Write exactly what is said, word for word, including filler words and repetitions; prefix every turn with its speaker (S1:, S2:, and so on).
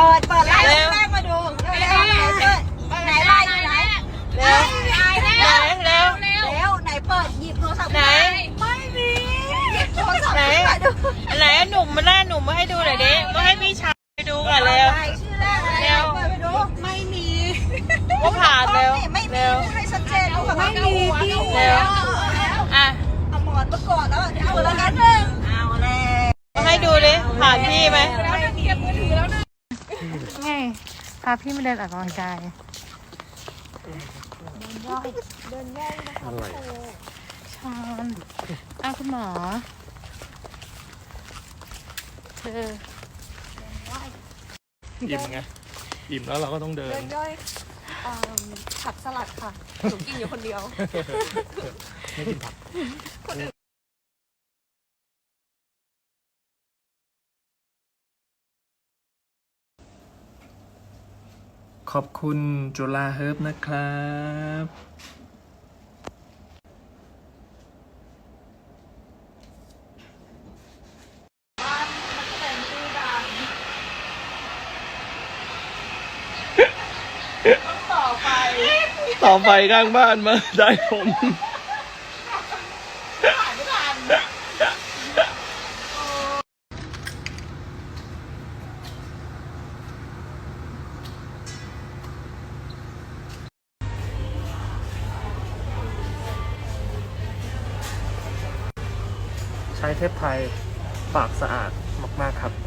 S1: ปิดเปิดไล่แรกมาดูเร็วไหนไล่ไหนเร็วเร็วเร็วเร็วไหนเปิดหยิบโทรศัพท์ไหนไม่มีหยิบโทรศัพท์ไหนไหนหนุ่มมาหน้าหนุ่มมาให้ดูหน่อยดิมาให้พี่ชายไปดูก่อนเร็วชื่อแรกเร็วไปดูไม่มีว่าผ่านเร็วเร็วให้ชัดเจนดูกับไม่มีเร็วอ่ะเอาหมอนมาก่อนแล้วเอาแล้วกันหนึ่งเอาเลยให้ดูดิผ่านพี่ไหม
S2: ไงพาพี่มาเดินออกกำลังกายเดินย่อยเดินย่อยนะคะชอนอ้าวคุณหมอเธอ
S3: อิ่มไงอิ่มแล้วเราก็ต้องเดิน
S2: เดินย่อยผักสลัดค่ะหนูกินอยู่คนเดียว
S3: ไม่กินผักขอบคุณจุฬาเฮิร์บนะครับ
S1: ต่อไป
S3: ต่อไปข้างบ้านมาได้ผมใช้เทปไทยปากสะอาดมากๆครับ